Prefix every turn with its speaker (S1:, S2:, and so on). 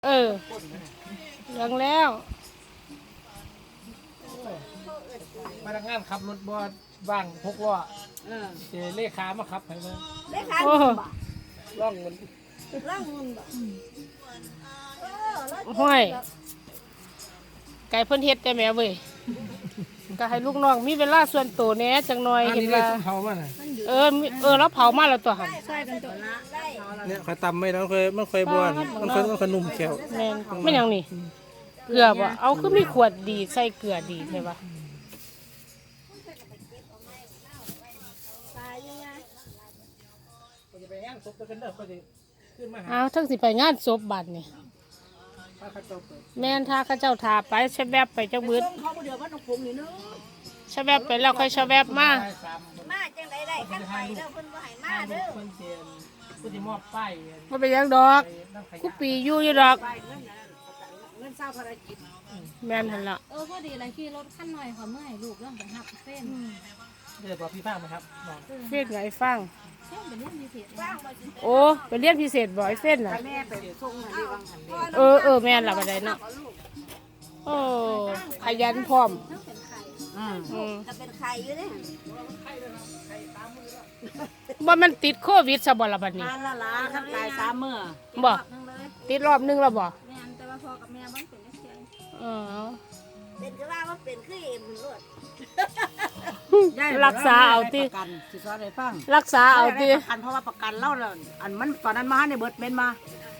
S1: เหลืองแล้ว
S2: พนักงานขับรถบ่ว่าง6 ล้อเลขามาขับให้เลย
S3: เลขาเงินบ่
S2: ร่องมัน
S3: ร่างเงินบ่แล้ว
S1: ห้อยไก่เพิ่นเฮ็ดได้แม่เว้ยก็ให้ลูกน้องมีเวลาส่วนตัวแหน่จังหน่อย
S2: อัน
S1: เห็น
S2: นี้ได้
S1: ว่า
S2: เผามาน่ะ
S1: แล้วเผามาแล้วตัวหั่น
S3: ใช่กันตัวละได้
S2: เนี่ยเขาตำไม่แล้วมันเคยบ้วนมันเคยนุ่มแขว
S1: แม่นแม่นหยังนี่เกลือบ่เอาคือมีขวดดีใส่เกลือดีใช่ปะ
S3: ตายยังไง
S2: จะไปงานศพกันเด้อก็สิขึ้นมาหา
S1: เอาทั้งสิไปงานศพบัดนี่
S2: พระเขาเจ้าเปิด
S1: แม่นถ้าเขาเจ้าทาไปชะแวบไปจักบึด
S3: เขาบ่เดือดว่าน้องผมนี่เนาะ
S1: ชะแวบไปแล้วค่อยชะแวบมา
S2: ได้3
S3: มาจังไดได้คันไปเด้อเพิ่นบ่ให้มาเด้อ
S2: เพิ่นเสียนเพิ่นสิมอบป้าย
S1: บ่เป็นหยังดอก
S2: ไปน้ำข
S1: กู
S2: ยะ
S1: ปีอยู่ดอก
S3: ไปเงินนั้นเงินเศร้าภารกิจ
S1: แม่นหั่นล่ะ
S4: พอดีเลยขี่รถขั้นหน่อยเขาเมื่อยลูกเรื่องไปหักเส้น
S2: เดี๋ยวบอกพี่ฟ้าไหมครับน้อง
S1: เฟ้นไงฟัง
S4: เส้นเป็นเรื่องพิเศษ
S3: ว่างบ่สิ
S1: โอ้ไปเรียนพิเศษบ่ไอ้เฟ้นน่ะ
S3: แม่ไปส่งให้วางหันเด้
S1: แม่นล่ะบัดใดเนาะโอ้ขยันพร้อม
S4: ทั้งเป็นไข่
S1: อืม
S3: ก็เป็นไข่อยู่เด้
S1: บ่มันติดโควิดซะบ่ล่ะบัดนี้
S3: ทานละล่ะคันตาย3มื้อ
S1: บ่
S4: นึงเลย
S1: ติดรอบนึงแล้วบ่
S4: แม่นแต่ว่าพอกับแม่มันเป็นนักเรียน
S1: อ๋อ
S3: เป็นก็ว่าเป็นคือเอ็มรวด
S1: รักษาเอาติ
S5: ประกันสิสอนให้ฟัง
S1: รักษาเอาติ
S5: ประกันเพราะว่าประกันเล่าแล้วอันมันตอนนั้นมาในเบิดเมนมา